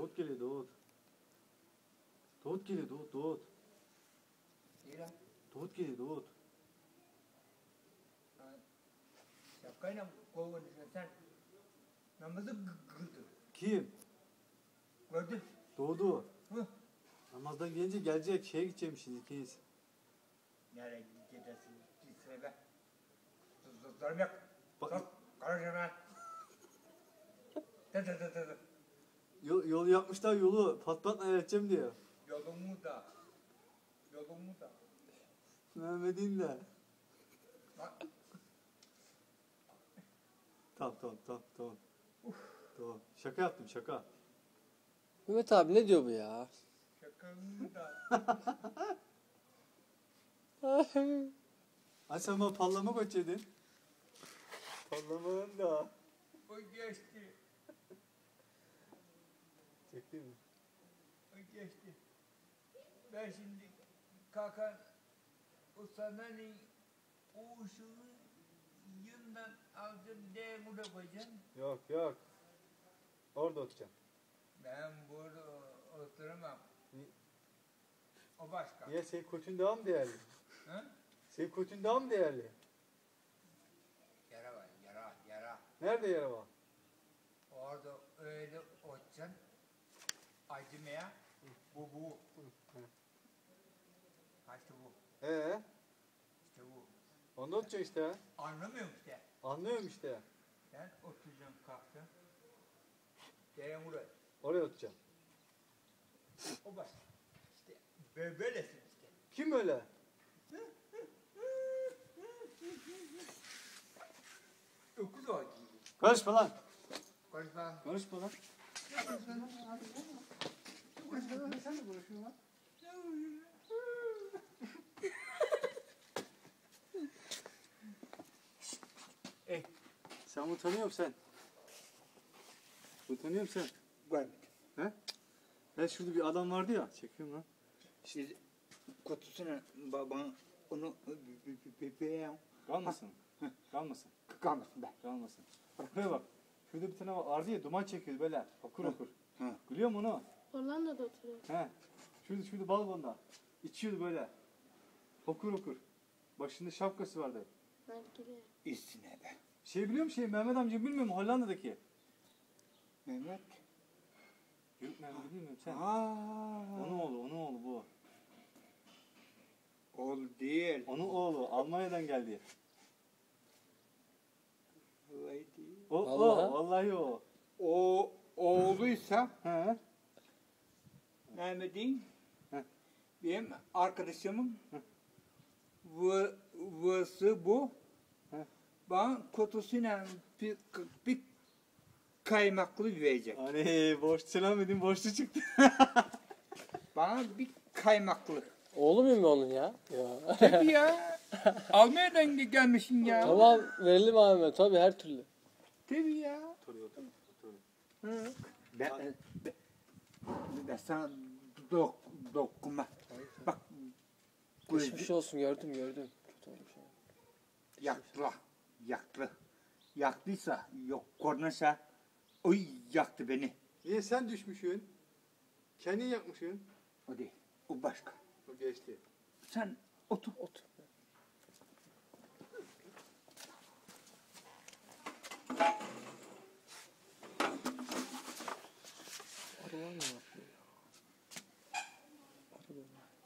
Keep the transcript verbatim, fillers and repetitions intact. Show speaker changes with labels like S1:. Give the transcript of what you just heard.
S1: Doğut geliyor Doğut. Doğut geliyor Doğut Doğut.
S2: İyi lan.
S1: Doğut geliyor Doğut.
S2: Şapkayla kovun sen. Namazı kıldın.
S1: Kim?
S2: Gördün.
S1: Doğdu.
S2: Hı.
S1: Namazdan gelince gelecek. Şeye gidecekmişiz ikiyiz.
S2: Nereye gidersin? Gitsene be. Zorum yok.
S1: Bak-
S2: Sok. Karışma ben. Dı dı dı dı dı.
S1: Yol, yol yapmışlar yolu. Pat pat ayarlayacağım diyor.
S2: Yolumu da. Yolumu da.
S1: Mehmet'in de.
S2: Bak.
S1: Tamam tamam tamam tamam. Tamam. Şaka yaptım şaka.
S3: Mehmet abi ne diyor bu ya?
S2: Şakamı da.
S1: Ay sen bana pallama koçedin. Pallamanın da.
S2: O geçti.
S1: Çekti mi?
S2: O geçti. Ben şimdi kalkan ustanın uğuşunu yından alacağım diye burada koyacağım.
S1: Yok yok. Orada oturacağım.
S2: Ben burada oturamam.
S1: Ni-
S2: O başka.
S1: Niye senin koçun daha mı değerli?
S2: Hı?
S1: Senin koçun daha mı değerli?
S2: Yara var, yara, yara.
S1: Nerede yara var?
S2: Orada öyle oturacaksın. Acımaya. Bu, bu. Ha işte bu.
S1: Ee,
S2: İşte bu.
S1: onda oturacak işte.
S2: Anlamıyorum işte.
S1: Anlıyorum işte.
S2: Ben oturacağım kalktım. Gelin buraya.
S1: Oraya oturacağım.
S2: O başka. İşte böyle böylesin işte.
S1: Kim öyle?
S2: Öküz o.
S1: Konuşma lan.
S2: Konuşma.
S1: Konuşma lan.
S4: Sen de konuşuyorsun lan.
S2: Eh,
S1: Sen bunu tanıyor musun sen? Bunu tanıyor musun sen?
S2: görmedim.
S1: He? Ben şurada bir adam vardı ya. Çekiyorum lan.
S2: Siz kutusuna baban onu bebeğim
S1: Kalmasın. Kalmasın.
S2: kalmasın be.
S1: Kalmasın. Bak buraya bak. Şurada bir tane vardı ya duman çekiyor böyle. Okur okur.
S2: Hı.
S1: Biliyor musun onu?
S4: Hollanda'da oturuyor.
S1: He. Şurada şurada balkonda. İçiyordu böyle. Okur okur. Başında şapkası vardı.
S4: Belki de.
S2: İstine be.
S1: Şey biliyor musun şey Mehmet amca bilmiyor mu Hollanda'daki?
S2: Mehmet.
S1: Yok Mehmet bilmiyor musun sen?
S2: Aa.
S1: Onun oğlu, onun oğlu bu.
S2: Oğul değil.
S1: Onun oğlu Almanya'dan geldi.
S2: Vallahi değil.
S1: O,
S3: Vallahi.
S1: o, vallahi o.
S2: O oğluysa
S1: He.
S2: Mehmet'in
S1: Heh.
S2: benim arkadaşımın vı, vısı bu.
S1: Heh.
S2: Bana kutusuyla bir, bir kaymaklı verecek.
S1: Hani borç selam edin borçlu çıktı.
S2: Bana bir kaymaklı.
S3: Oğlu muyum ben onun ya? Ya.
S2: Tabii ya. Almanya'dan gelmişsin ya.
S3: Tamam verelim abi Mehmet abi her türlü.
S2: Tabii ya.
S1: Otur otur otur.
S2: Hı. Ben, ben, ben sana dok, dokunma. Bak.
S3: Geçmiş olsun gördüm gördüm. Kötü olmuş ya.
S2: Yaktılar. Yaktı. Yaktıysa yok kornasa oy yaktı beni.
S1: Niye sen düşmüşsün? Kendin yakmışsın.
S2: O değil. O başka.
S1: O geçti.
S2: Sen otur.
S3: Otur. Araba mı var? Araba var.